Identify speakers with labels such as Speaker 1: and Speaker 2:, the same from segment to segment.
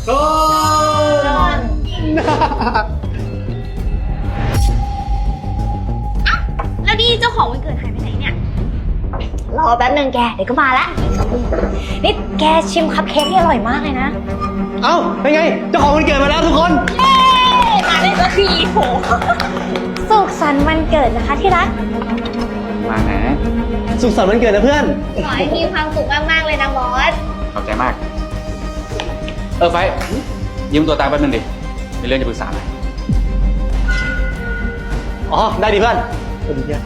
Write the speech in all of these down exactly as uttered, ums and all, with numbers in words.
Speaker 1: ต้น
Speaker 2: แล้วนี่เจ้าของวันเกิดหายไปไหนเนี่ยรอแป๊บนึงแกเดี๋ยวก็มาละนี่แกชิมคัพเค้กที่อร่อยมากเลยนะ
Speaker 1: เอ้าเป็นไงเจ้าของวันเกิดมาแล้วทุกคน
Speaker 2: เย้มาได้สักทีโหสุขสันต์วันเกิดนะคะที่รัก
Speaker 1: มานะสุขสันต์วันเกิดนะเพื่อน
Speaker 2: ขอให้มีความสุขมากๆเลยนะบอส
Speaker 3: ขอบใจมากเออไฟยืมตัวตามแป๊บนึงดิมีเรื่องจะปรึกษาหน่อย
Speaker 1: อ๋อได้ดิเพื่อนสวัสดีเพื่อน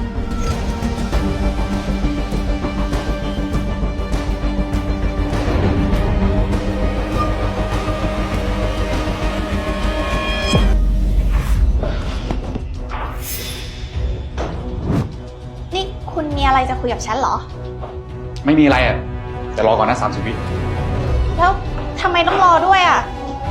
Speaker 2: นี่คุณมีอะไรจะคุยกับฉันเหรอ
Speaker 3: ไม่มีอะไรอ่ะแต่รอก่อนนะสามสิบวิ
Speaker 2: แล้วทำไมต้องรอด้วยอ่ะ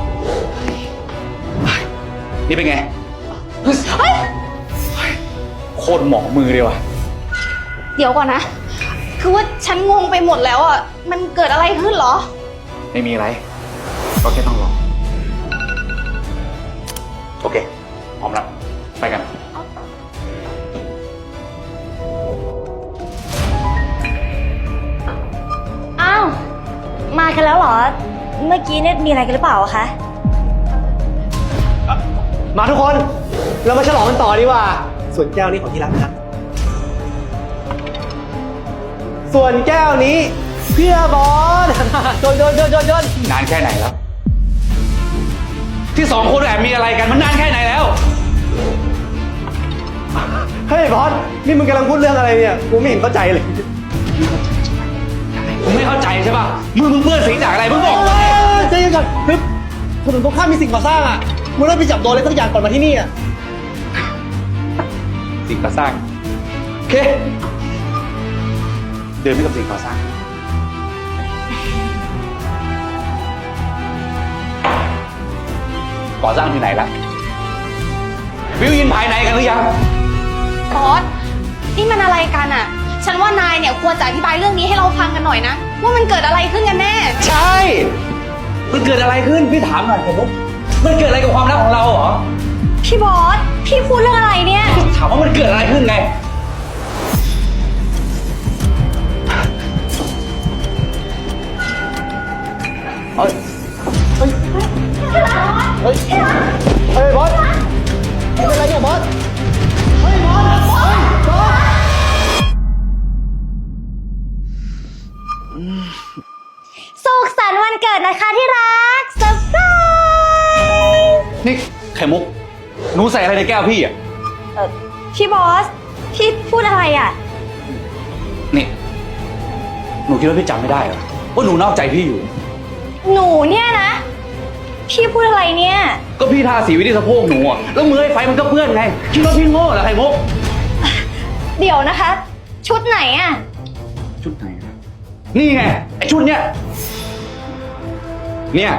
Speaker 3: นี่เป็นไงเฮ้ยโคตรหมอมือเลยว่ะ
Speaker 2: เดี๋ยวก่อนนะคือว่าฉันงงไปหมดแล้วอ่ะมันเกิดอะไรขึ้นเหรอ
Speaker 3: ไม่มีอะไรก็แค่ต้องรอโอเคพร้อมแล้วไปกัน
Speaker 2: อ้าวมากันแล้วเหรอเมื่อกี้เนี่ยมีอะไรกันหรือเปล่าคะ
Speaker 1: มาทุกคนเรามาฉลองกันต่อดีกว่าส่วนแก้วนี้ของที่รักนะส่วนแก้วนี้เพื่อบอสโดนโดนโดนโดนโดน
Speaker 3: นานแค่ไหนแล้วที่สองคนแอบมีอะไรกันมันนานแค่ไหนแล้ว
Speaker 1: เฮ้ยบอสนี่มึงกำลังพูดเรื่องอะไรเนี่ยกูไม่เห็นเข้าใจเลย
Speaker 3: มึงไม่เข้าใจใช่ป่ะมือมึงเปื้อนสีจากอะไรมึงบอก
Speaker 1: ใจเย็นก่อนคือถนนตรงข้ามมีสิ่งก่อสร้างอ่ะมึงต้องไปจับโดนอะไรสักอย่างก่อนมาที่นี่อ่ะ
Speaker 3: สิ่งก่อสร้างโอเคเดินไปกับสิ่งก่อสร้างก่อสร้างที่ไหนล่ะวิวยินภายในกันหรือยัง
Speaker 2: บอสนี่มันอะไรกันอ่ะฉันว่านายเนี่ยควรจะอธิบายเรื่องนี้ให้เราฟังกันหน่อยนะว่ามันเกิดอะไรขึ้นกันแน่
Speaker 3: ใช่มันเกิดอะไรขึ้นพี่ถามหน่อยผมมันเกิดอะไรกับความรักของเราเหรอ
Speaker 2: พี่บอสพี่พูดเรื่องอะไรเนี่ย
Speaker 3: ถามว่ามันเกิดอะไรขึ้นไง
Speaker 1: เฮ้ยเฮ้ยเฮ้ยเฮ้ยบอสเป็นอะไรเนี่ยบอสเฮ้ยบอสบอสบอส
Speaker 2: สุขสันต์วันเกิดนะคะที่รักเซอร์ไพรส์
Speaker 3: นี่ไข่มุกหนูใส่อะไรในแก้วพี่อ่ะ
Speaker 2: เออพี่บอสพี่พูดอะไรอ่ะ
Speaker 3: นี่หนูคิดว่าพี่จำไม่ได้เหรอว่าหนูนอกใจพี่อยู่
Speaker 2: หนูเนี่ยนะพี่พูดอะไรเนี่ย
Speaker 3: ก็พี่ทาสีไว้ที่สะโพกหนูอ่ะแล้วมือไอ้ไฟมันก็เปื้อนไงคิดว่าพี่โง่เหรอไข่มุก
Speaker 2: เดี๋ยวนะคะชุดไหนอ่ะ
Speaker 3: ชุดไหนนี่ไงไอ้ชุดเนี้ยเนี่ย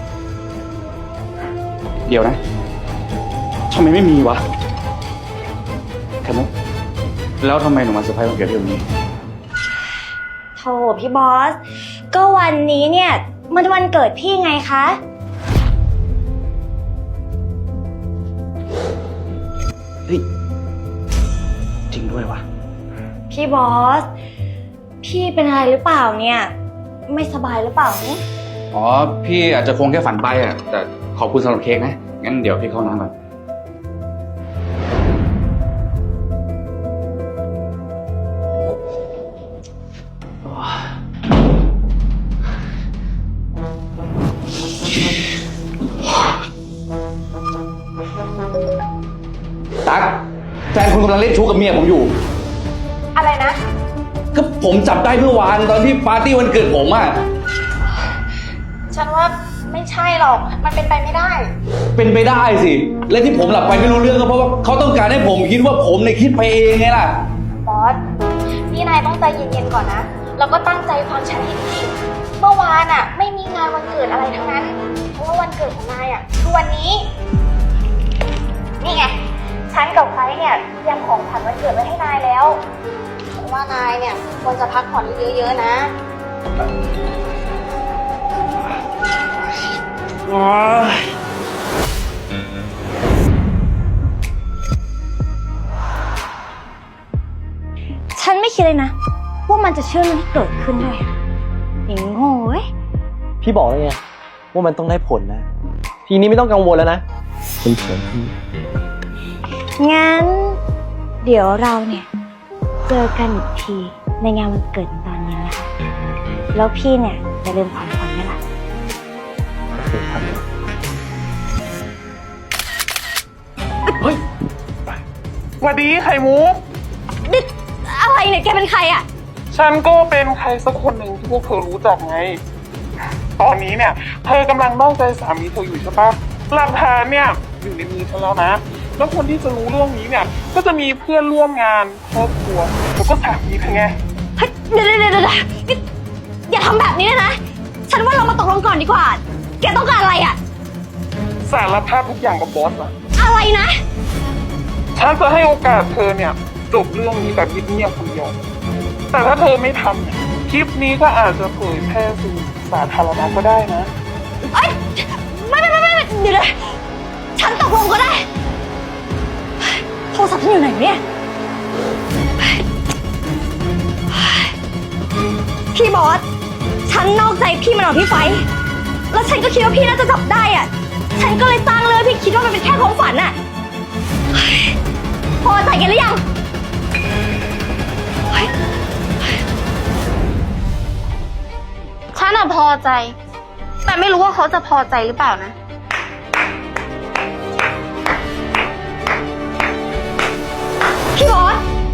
Speaker 3: เดี๋ยวนะทำไมไม่มีวะไข่มุกแล้วทำไมหนูมาเซอร์ไพรส์วันเกิดพี่วันนี้
Speaker 2: โธ่พี่บอสก็วันนี้เนี่ยมันวันเกิดพี่ไงคะ
Speaker 3: เฮ้ยจริงด้วยวะ
Speaker 2: พี่บอสพี่เป็นอะไรหรือเปล่าเนี่ยไม่สบายหรือเปล่า
Speaker 3: อ๋อพี่อาจจะคงแค่ฝันไปอ่ะแต่ขอบคุณสำหรับเค้กนะงั้นเดี๋ยวพี่เข้าน้ำก่อนตั๊กแฟนคุณกำลังเล่นชู้กับเมียผมอยู่
Speaker 2: อะไรนะ
Speaker 3: ก็ผมจับได้เมื่อวานตอนที่ปาร์ตี้วันเกิดผมอ่ะ
Speaker 2: ฉันว่าไม่ใช่หรอกมันเป็นไปไม่ได้
Speaker 3: เป็นไปได้สิและที่ผมหลับไปไม่รู้เรื่องก็เพราะว่าเขาต้องการให้ผมคิดว่าผมเนี่ยคิดไปเองไงล่ะ
Speaker 2: บอสนี่นายต้องใจเย็นๆก่อนนะแล้วก็ตั้งใจฟังฉันให้ดีเมื่อวานอ่ะไม่มีงานวันเกิดอะไรทั้งนั้นเพราะว่าวันเกิดของนายอ่ะคือวันนี้นี่ไงฉันกับไฟเนี่ยเตรียมของขวัญวันเกิดไว้ให้นายแล้วฉันว่านายเนี่ยควรจะพักผ่อนเยอะๆนะฉันไม่คิดเลยนะว่ามันจะเชื่อเรื่องที่เกิดขึ้นด้วยอย่างโง่เว้ย
Speaker 1: พี่บอกแล้วไงว่ามันต้องได้ผลนะ ทีนี้ไม่ต้องกังวลแล้วนะเป็นเฉยพี่
Speaker 2: งั้น เดี๋ยวเราเนี่ย เจอกันอีกทีในงานวันเกิดตอนเย็นนะคะแล้วพี่เนี่ยจะลืมของขวัญไหมล่ะ
Speaker 1: โอเคครับ
Speaker 4: เฮ้ยสวัสดีไข่มุก
Speaker 2: นี่อะไรเนี่ยแกเป็นใครอ่ะ
Speaker 4: ฉันก็เป็นใครสักคนหนึ่งที่พวกเธอรู้จักไง ตอนนี้เนี่ย เธอกำลังนอกใจสามีเธออยู่ใช่ปะหลักฐานเนี่ยอยู่ในมือฉันแล้วนะ แล้วคนที่จะรู้เรื่องนี้เนี่ย ก็จะมีเพื่อนร่วมงานครอบครัวแล้วก็สามีเธอไง
Speaker 2: เฮ้ยเดี๋ยวเดี๋ยวเดี๋ยวนี่อย่าทำแบบนี้เลยนะ ฉันว่าเรามาตกลงก่อนดีกว่า แกต้องการอะไรอ่ะ
Speaker 4: สารภาพทุกอย่างกับบอสอะ
Speaker 2: อะไรนะ
Speaker 4: ฉันจะให้โอกาสเธอเนี่ยจบเรื่องนี้แบบเงียบๆคนเดียว แต่ถ้าเธอไม่ทำเนี่ยคลิปนี้ก็อาจจะเผยแพร่สู่สาธารณะก็ได้นะ
Speaker 2: เอ้ยไม่ไม่ไม่ไม่เดี๋ยวเดี๋ยวฉันตกลงก็ได้โทรศัพท์ฉันอยู่ไหนเนี่ยพี่บอสฉันนอกใจพี่มาหน่อยพี่ไฟแล้วฉันก็คิดว่าพี่น่าจะจับได้อ่ะฉันก็เลยสร้างเรื่องพี่คิดว่ามันเป็นแค่ความฝันอ่ะพอใจกันหรือยังฉันอะพอใจแต่ไม่รู้ว่าเขาจะพอใจหรือเปล่านะพี่บอส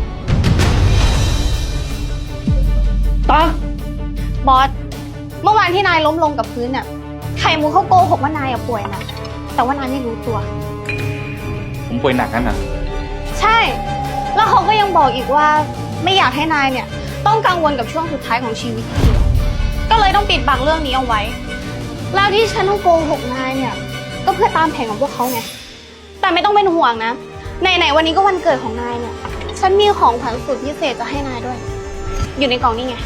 Speaker 1: ตา
Speaker 2: บอสเมื่อวานที่นายล้มลงกับพื้นน่ะไข่มุกเขาโกหกว่านายอะป่วยนะแต่ว่านายไม่รู้ตัว
Speaker 3: ผมป่วยหนักนั่นน่ะ
Speaker 2: ใช่แล้วเขาก็ยังบอกอีกว่าไม่อยากให้นายเนี่ยต้องกังวลกับช่วงสุดท้ายของชีวิตอีกก็เลยต้องปิดบังเรื่องนี้เอาไว้แล้วที่ฉันต้องโกหกนายเนี่ยก็เพื่อตามแผนของพวกเขาไงแต่ไม่ต้องเป็นห่วงนะไหนๆวันนี้ก็วันเกิดของนายเนี่ยฉันมีของขวัญสุดพิเศษจะให้นายด้วยอยู่ในกล่องนี่ไง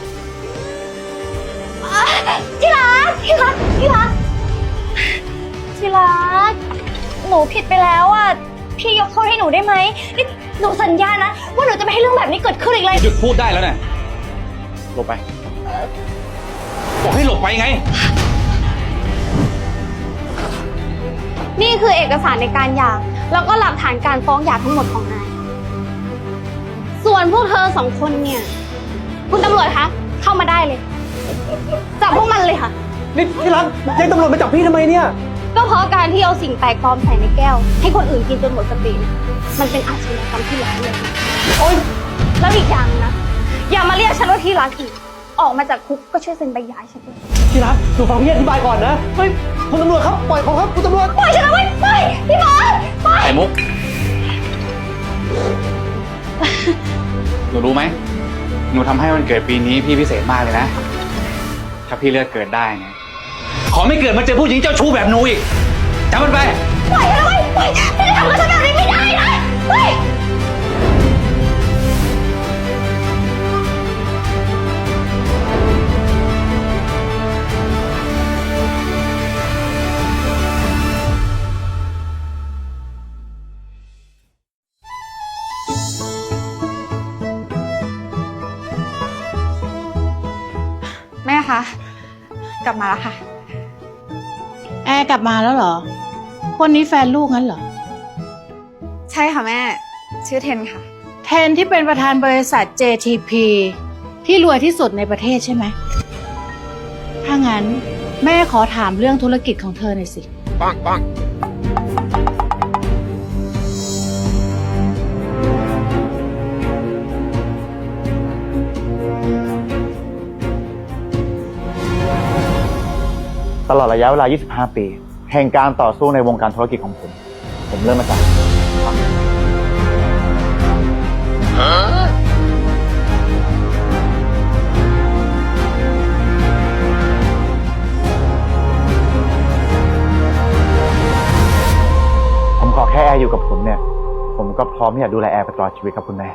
Speaker 2: ที่รักที่รักที่รักที่รักหนูผิดไปแล้วอ่ะพี่ยกโทษให้หนูได้ไหมนี่หนูสัญญานะว่าหนูจะไม่ให้เรื่องแบบนี้เกิดขึ้นอีกเลย
Speaker 3: หยุดพูดได้แล้วเนี่ยหลบไปบอกให้หลบไปไง
Speaker 2: นี่คือเอกสารในการหย่าแล้วก็หลักฐานการฟ้องหย่าทั้งหมดของนายส่วนพวกเธอสองคนเนี่ยคุณตำรวจคะเข้ามาได้เลยจับพวกมันเลยค่ะ
Speaker 1: นี่ที่รักแจ้งตำรวจมาจับพี่ทำไมเนี่ย
Speaker 2: ก็เพราะการที่เอาสิ่งแปลกปลอมใส่ในแก้วให้คนอื่นกินจนหมดสติเนี่ยมันเป็นอาชญากรรมที่ร้ายแรง
Speaker 1: โอ๊ย
Speaker 2: แล้วอีกอย่างนะอย่ามาเรียกฉันว่าที่รักอีกออกมาจากคุกก็ช่วยเซ็นใบหย่าให้ฉันด้วย
Speaker 1: ที่รักหนูฟังพี่อธิบายก่อนนะ เฮ้ย คุณตำรวจครับ ปล่อยเขาครับ คุณตำรวจ
Speaker 2: ปล่อยฉันนะเว้ยปล่อยพี่บอสปล่อย
Speaker 3: ไข่มุก หนูรู้ไหม หนูทำให้วันเกิดปีนี้พี่พิเศษมากเลยนะ ถ้าพี่เลือกเกิดได้นะขอไม่เกิดมาเจอผู้หญิงเจ้าชู้แบบหนูอีกจำมันไป
Speaker 2: ปล่อยฉันนะเว้ยปล่อยพี่จะทำกับฉันแบบนี้ไม่ได้นะเฮ้ยแม่คะกลับมาแล้วค่ะ
Speaker 5: แอร์กลับมาแล้วเหรอ คนนี้แฟนลูกงั้นเหรอ
Speaker 2: ใช่ค่ะแม่ชื่อเทนค่ะ
Speaker 5: เทนที่เป็นประธานบริษัท เจ ที พี ที่รวยที่สุดในประเทศใช่ไหม ถ้างั้นแม่ขอถามเรื่องธุรกิจของเธอหน่อยสิ
Speaker 4: ปังปัง
Speaker 6: ตลอดระยะเวลา ยี่สิบห้า ปี แห่งการต่อสู้ในวงการธุรกิจของผม ผมเริ่มมาจากผมขอแค่แอร์อยู่กับผมเนี่ย ผมก็พร้อมที่จะดูแลแอร์ไปตลอดชีวิตครับคุณแม่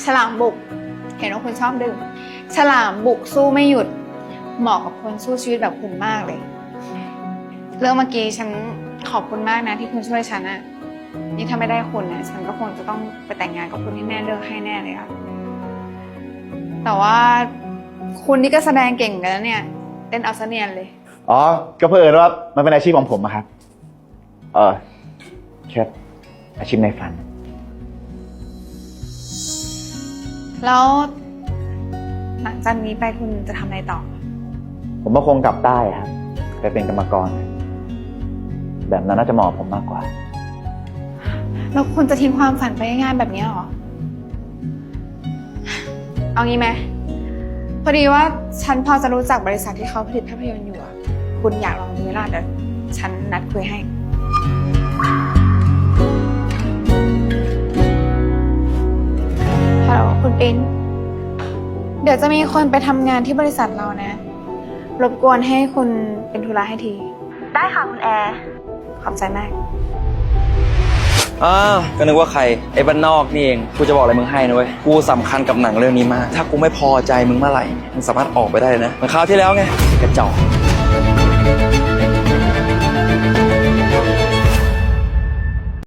Speaker 7: ฉลามบุก เห็นว่าคุณชอบดื่ม ฉลามบุกสู้ไม่หยุด เหมาะกับคนสู้ชีวิตแบบคุณมากเลย เรื่องเมื่อกี้ฉันขอบคุณมากนะที่คุณช่วยฉันอะนี่ถ้าไม่ได้คุณนะฉันก็คงจะต้องไปแต่งงานกับคุณที่แม่เลือกให้แน่เลยอะแต่ว่าคุณนี่ก็แสดงเก่งกันแล้วเนี่ยเต้นเอาซะเนียนเลย
Speaker 6: อ๋อ ก็เพื่อเอิญว่ามันเป็นอาชีพของผมอะครับ เออแค่อาชีพในฝัน
Speaker 7: แล้วหลังจากนี้ไปคุณจะทำอะไรต่อ
Speaker 6: ผมก็คงกลับใต้ครับไปเป็นกรรมกร แบบนั้นน่าจะเหมาะกับผมมากกว่า
Speaker 7: แล้วคุณจะทิ้งความฝันไปง่ายๆแบบนี้หรอ เอางี้ไหมพอดีว่าฉันพอจะรู้จักบริษัทที่เขาผลิตภาพยนตร์อยู่อะคุณอยากลองดูไหมล่ะเดี๋ยวฉันนัดคุยให้ฮัลโหลคุณปิ๊นเดี๋ยวจะมีคนไปทำงานที่บริษัทเรานะ รบกวนให้คุณเป็นธุระให้ที
Speaker 2: ได้ค่ะคุณแอร์
Speaker 7: ขอบใจมาก
Speaker 8: อ่าก็นึกว่าใครไอ้บ้านนอกนี่เองกูจะบอกอะไรมึงให้นะเว้ยกูสำคัญกับหนังเรื่องนี้มากถ้ากูไม่พอใจมึงเมื่อไหร่มึงสามารถออกไปได้เลยนะเหมือนคราวที่แล้วไงกระจอก